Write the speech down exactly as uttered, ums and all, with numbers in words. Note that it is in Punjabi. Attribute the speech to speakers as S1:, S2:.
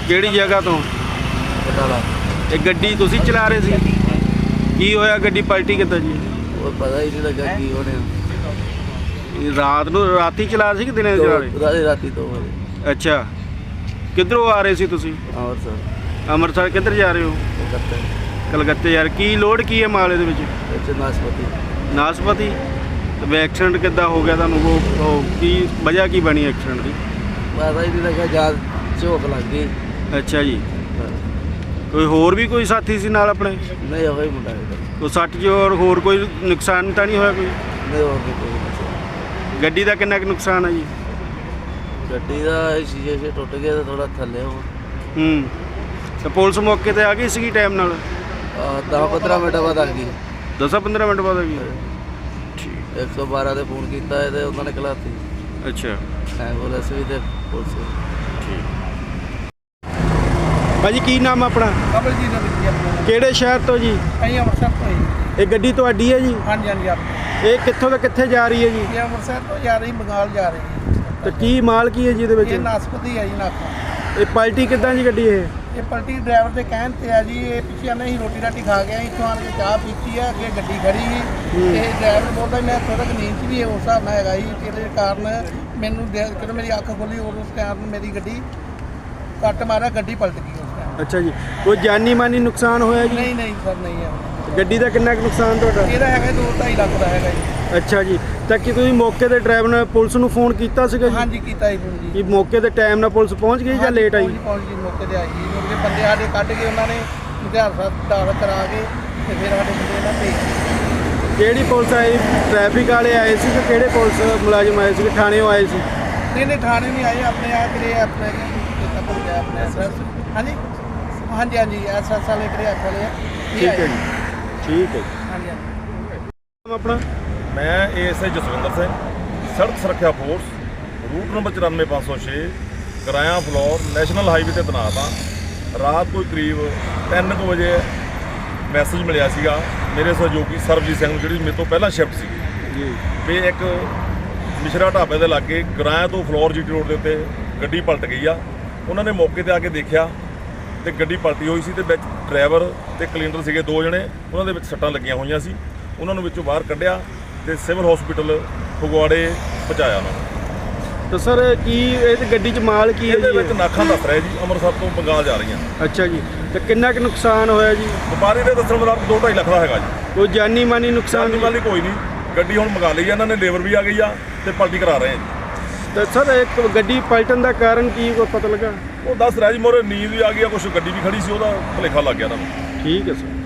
S1: ਕਿਹੜੀ ਜਗ੍ਹਾ ਤੋਂ? ਇਹ ਗੱਡੀ ਤੁਸੀਂ ਚਲਾ ਰਹੇ ਸੀ? ਕੀ ਹੋਇਆ, ਗੱਡੀ ਪਲਟੀ ਕਿੱਦਾਂ ਜੀ?
S2: ਉਹ ਪਤਾ ਹੀ ਨਹੀਂ ਲੱਗਾ ਕੀ ਹੋਣੇ।
S1: ਇਹ ਰਾਤ ਨੂੰ ਰਾਤੀ ਚਲਾ ਰਹੇ ਸੀ ਕਿ ਦਿਨੇ ਚਲਾ ਰਹੇ?
S2: ਰਾਤੀ ਰਾਤੀ ਦੋ ਵਜੇ।
S1: ਅੱਛਾ, ਕਿੱਧਰੋਂ ਆ ਰਹੇ ਸੀ ਤੁਸੀਂ?
S2: ਅੰਮ੍ਰਿਤਸਰ।
S1: ਅੰਮ੍ਰਿਤਸਰ ਕਿੱਧਰ ਜਾ ਰਹੇ ਹੋ?
S2: ਕਲਕੱਤੇ।
S1: ਕਲਕੱਤੇ ਯਾਰ, ਕੀ ਲੋਡ ਕੀ ਹੈ ਮਾਲ ਇਹਦੇ ਵਿੱਚ?
S2: ਇੱਥੇ ਨਾਸਪਤੀ।
S1: ਨਾਸਪਤੀ। ਤੇ ਐਕਸੀਡੈਂਟ ਕਿੱਦਾਂ ਹੋ ਗਿਆ ਤੁਹਾਨੂੰ? ਉਹ ਉਹ ਕੀ ਵਜ੍ਹਾ ਕੀ ਬਣੀ ਐਕਸੀਡੈਂਟ ਦੀ?
S2: ਪਤਾ ਹੀ ਨਹੀਂ ਲੱਗਾ, ਜਦ ਝੋਕ ਲੱਗ ਗਈ।
S1: ਅੱਛਾ ਜੀ, ਕੋਈ ਹੋਰ ਵੀ ਕੋਈ ਸਾਥੀ ਸੀ ਨਾਲ ਆਪਣੇ?
S2: ਨਹੀਂ, ਉਹ ਹੀ ਮੁੰਡਾ ਹੈ।
S1: ਕੋਈ ਸੱਟ ਜੋ ਔਰ ਹੋਰ ਕੋਈ ਨੁਕਸਾਨ ਤਾਂ ਨਹੀਂ ਹੋਇਆ ਕੋਈ?
S2: ਨਹੀਂ, ਹੋਰ ਵੀ ਕੋਈ ਨਹੀਂ।
S1: ਗੱਡੀ ਦਾ ਕਿੰਨਾ ਕੁ ਨੁਕਸਾਨ ਹੈ ਜੀ?
S2: ਗੱਡੀ ਦਾ ਸ਼ੀਸ਼ੇ ਸ਼ੇ ਟੁੱਟ ਗਿਆ ਤੇ ਥੋੜਾ ਥੱਲੇ ਹੋ।
S1: ਹੂੰ, ਤੇ ਪੁਲਿਸ ਮੌਕੇ ਤੇ ਆ ਗਈ ਸੀਗੀ ਟਾਈਮ ਨਾਲ?
S2: ਦਸ ਪੰਦਰਾਂ ਮਿੰਟ ਬਾਅਦ ਆ ਗਈ।
S1: ਦਸਾਂ ਪੰਦਰਾਂ ਮਿੰਟ ਬਾਅਦ ਆ ਗਈ। ਠੀਕ।
S2: ਇੱਕ ਸੌ ਬਾਰਾਂ 'ਤੇ ਫੋਨ ਕੀਤਾ ਹੈ ਤੇ ਉਹਨਾਂ ਨੇ ਕਲਾਤੀ।
S1: ਅੱਛਾ,
S2: ਐਂਬੂਲੈਂਸ ਵੀ ਤੇ ਪੁਲਿਸ ਵੀ।
S1: ਠੀਕ। ਭਾਜੀ ਕੀ ਨਾਮ ਆਪਣਾ?
S3: ਕਮਲਜੀਤ ਦਾ ਵਿੱਚ ਆਪਣਾ।
S1: ਕਿਹੜੇ ਸ਼ਹਿਰ ਤੋਂ ਜੀ?
S3: ਅਸੀਂ ਅੰਮ੍ਰਿਤਸਰ ਤੋਂ ਹੀ।
S1: ਇਹ ਗੱਡੀ ਤੁਹਾਡੀ ਹੈ ਜੀ?
S3: ਹਾਂਜੀ ਹਾਂਜੀ ਆਪਣੀ।
S1: ਇਹ ਕਿੱਥੋਂ ਤੋਂ ਕਿੱਥੇ ਜਾ ਰਹੀ ਹੈ ਜੀ?
S3: ਇਹ ਅੰਮ੍ਰਿਤਸਰ ਤੋਂ ਜਾ ਰਹੀ, ਬੰਗਾਲ ਜਾ ਰਹੀ।
S1: ਤੇ ਕੀ ਮਾਲ ਕੀ ਹੈ ਜੀ ਇਹਦੇ ਵਿੱਚ?
S3: ਇਹ ਨਾਸਪਤੀ ਹੈ ਜੀ ਨਾਕਾ।
S1: ਇਹ ਪਲਟੀ ਕਿੱਦਾਂ ਜੀ ਗੱਡੀ ਇਹ?
S3: ਇਹ ਪਲਟੀ ਡਰਾਈਵਰ ਦੇ ਕਹਿਣ ਤੇ ਆ ਜੀ। ਇਹ ਪਿੱਛੇ ਆਨੇ ਹੀ ਰੋਟੀ ਰਾਟੀ ਖਾ ਗਿਆ, ਇੱਥੋਂ ਆਣ ਕੇ ਚਾਹ ਪੀਤੀ ਆ, ਅੱਗੇ ਗੱਡੀ ਖੜੀ ਸੀ। ਇਹ ਡਰਾਈਵਰ ਬੋਲਦਾ ਮੈਂ ਥੋੜਾ ਕੁ ਨੀਂਦ 'ਚ ਵੀ ਉਸ ਹਿਸਾਬ ਨਾਲ ਹੈਗਾ ਜੀ। ਜਿਹਦੇ ਕਾਰਨ ਮੈਨੂੰ ਜਦੋਂ ਮੇਰੀ ਅੱਖ ਖੁੱਲੀ ਉਸ ਟਾਈਮ ਮੇਰੀ ਗੱਡੀ ਕੱਟ ਮਾਰਿਆ, ਗੱਡੀ ਪਲਟ ਗਈ ਉਸ ਟਾਈਮ।
S1: ਅੱਛਾ ਜੀ, ਕੋਈ ਜਾਨੀ ਮਾਨੀ ਨੁਕਸਾਨ ਹੋਇਆ ਜੀ?
S3: ਨਹੀਂ ਨਹੀਂ ਸਰ, ਨਹੀਂ ਹੈ।
S1: ਗੱਡੀ ਦਾ ਕਿੰਨਾ ਕੁ ਨੁਕਸਾਨ ਤੁਹਾਡਾ?
S3: ਇਹਦਾ ਹੈਗਾ ਦੋ ਢਾਈ ਲੱਖ ਦਾ ਹੈਗਾ ਜੀ।
S1: ਅੱਛਾ ਜੀ, ਤਾਂ ਕੀ ਤੁਸੀਂ ਮੌਕੇ ਤੇ ਡਰਾਈਵਰ ਨੇ ਪੁਲਿਸ ਨੂੰ ਫੋਨ ਕੀਤਾ ਸੀਗਾ ਜੀ?
S3: ਹਾਂਜੀ ਕੀਤਾ ਜੀ ਫੋਨ ਜੀ।
S1: ਕੀ ਮੌਕੇ ਤੇ ਟਾਈਮ ਨਾਲ ਪੁਲਿਸ ਪਹੁੰਚ ਗਈ ਜਾਂ ਲੇਟ ਆਈ?
S3: ਪਹੁੰਚ ਪਹੁੰਚ ਗਈ, ਮੌਕੇ ਤੇ ਆਈ ਜੀ। ਕਿਉਂਕਿ ਬੰਦੇ ਸਾਡੇ ਕੱਢ ਕੇ ਉਹਨਾਂ ਨੇ ਮੁਖਿਆਰ ਸਾਹਿਬ ਦਾਖਲ ਕਰਾ ਕੇ ਤੇ ਫਿਰ ਸਾਡੇ ਮੁੰਡੇ ਨਾਲ ਭੇਜ।
S1: ਕਿਹੜੀ ਪੁਲਿਸ ਆਈ? ਟ੍ਰੈਫਿਕ ਵਾਲੇ ਆਏ ਸੀ ਕਿ ਕਿਹੜੇ ਪੁਲਿਸ ਮੁਲਾਜ਼ਮ ਆਏ ਸੀ ਕਿ ਥਾਣੇੋਂ ਆਏ ਸੀ?
S3: ਨਹੀਂ ਨਹੀਂ ਥਾਣੇ ਨਹੀਂ ਆਏ, ਆਪਣੇ ਆ ਕਰੇ ਆਪਣੇ ਕਿਤਾ ਭੁੱਲ ਗਿਆ ਆਪਣੇ ਐਸ ਹਾਂਜੀ ਹਾਂਜੀ ਹਾਂਜੀ ਐਸ ਐਸ ਵਾਲੇ ਕਰੇ ਐਸ ਵਾਲੇ ਆ।
S1: ਠੀਕ ਹੈ ਜੀ, ਠੀਕ ਹੈ ਜੀ।
S3: ਹਾਂਜੀ ਹਾਂਜੀ।
S1: ਆਪਣਾ?
S4: ਮੈਂ ਏਐਸਆਈ ਜਸਵਿੰਦਰ ਸਿੰਘ, ਸੜਕ ਸੁਰੱਖਿਆ ਫੋਰਸ, ਰੂਟ ਨੰਬਰ ਚੁਰਾਨਵੇਂ ਪੰਜ ਸੌ ਛੇ, ਕਰਾਇਆ ਫਲੋਰ, ਨੈਸ਼ਨਲ ਹਾਈਵੇ ਤੇ ਤੈਨਾਤ ਹਾਂ। ਰਾਤ ਕੋਈ ਕਰੀਬ ਤਿੰਨ ਕੁ ਵਜੇ ਮੈਸੇਜ ਮਿਲਿਆ ਸੀਗਾ ਮੇਰੇ ਸਹਿਯੋਗੀ ਸਰਬਜੀਤ ਸਿੰਘ ਨੂੰ, ਜਿਹੜੀ ਮੇਰੇ ਤੋਂ ਪਹਿਲਾਂ ਸ਼ਿਫਟ ਸੀ
S1: ਜੀ,
S4: ਵੀ ਇੱਕ ਮਿਸ਼ਰਾ ਢਾਬੇ ਦੇ ਲਾਗੇ ਕਰਾਇਆ ਤੋਂ ਫਲੋਰ ਜੀਟੀ ਰੋਡ ਦੇ ਉੱਤੇ ਗੱਡੀ ਪਲਟ ਗਈ ਆ। ਉਹਨਾਂ ਨੇ ਮੌਕੇ ਤੇ ਆ ਕੇ ਦੇਖਿਆ ਤੇ ਗੱਡੀ ਪਲਟੀ ਹੋਈ ਸੀ ਤੇ ਵਿੱਚ ਡਰਾਈਵਰ ਤੇ ਕਲੀਨਰ ਸੀਗੇ ਦੋ ਜਣੇ, ਉਹਨਾਂ ਦੇ ਵਿੱਚ ਸੱਟਾਂ ਲੱਗੀਆਂ ਹੋਈਆਂ ਸੀ। ਉਹਨਾਂ ਨੂੰ ਵਿੱਚੋਂ ਬਾਹਰ ਕੱਢਿਆ ਤੇ ਸਿਵਲ ਹਸਪੀਟਲ ਫਗਵਾੜੇ ਪਹੁੰਚਾਇਆ ਉਹਨਾਂ ਨੂੰ।
S1: ਤਾਂ ਸਰ ਕੀ ਇਹ ਤੇ ਗੱਡੀ 'ਚ ਮਾਲ ਕੀ ਹੈ
S4: ਇਹਦੇ
S1: ਜੀ?
S4: ਵਿੱਚ ਨਾਖਾਂ ਦੱਸ ਰਿਹਾ ਜੀ, ਅੰਮ੍ਰਿਤਸਰ ਤੋਂ ਬੰਗਾਲ ਜਾ ਰਹੀਆਂ।
S1: ਅੱਛਾ ਜੀ, ਤੇ ਕਿੰਨਾ ਕੁ ਨੁਕਸਾਨ ਹੋਇਆ ਜੀ?
S4: ਵਪਾਰੀ ਦੇ ਦੱਸਣ ਮੁਤਾਬਕ ਦੋ ਢਾਈ ਲੱਖ ਦਾ ਹੈਗਾ ਜੀ।
S1: ਕੋਈ ਜਾਨੀ ਮਾਨੀ ਨੁਕਸਾਨ?
S4: ਜਾਨੀ ਮਾਲੀ ਕੋਈ ਨਹੀਂ, ਗੱਡੀ ਹੁਣ ਮੰਗਾ ਲਈ ਆ ਇਹਨਾਂ ਨੇ, ਲੇਬਰ ਵੀ ਆ ਗਈ ਆ ਤੇ ਪਲਟੀ ਕਰਾ ਰਹੇ ਆ ਜੀ।
S1: ਤੇ ਸਰ ਇੱਕ ਗੱਡੀ ਪਲਟਣ ਦਾ ਕਾਰਨ ਕੀ ਕੋਈ ਪਤਾ ਲੱਗਾ?
S4: ਉਹ ਦੱਸ ਰਿਹਾ ਜੀ ਮੋਰੇ ਨੀਂਦ ਵੀ ਆ ਗਈ ਆ, ਕੁਛ ਗੱਡੀ ਵੀ ਖੜੀ ਸੀ, ਉਹਦਾ ਭੁਲੇਖਾ ਲੱਗ ਗਿਆ ਇਹਨਾਂ ਨੂੰ।
S1: ਠੀਕ ਹੈ ਸਰ।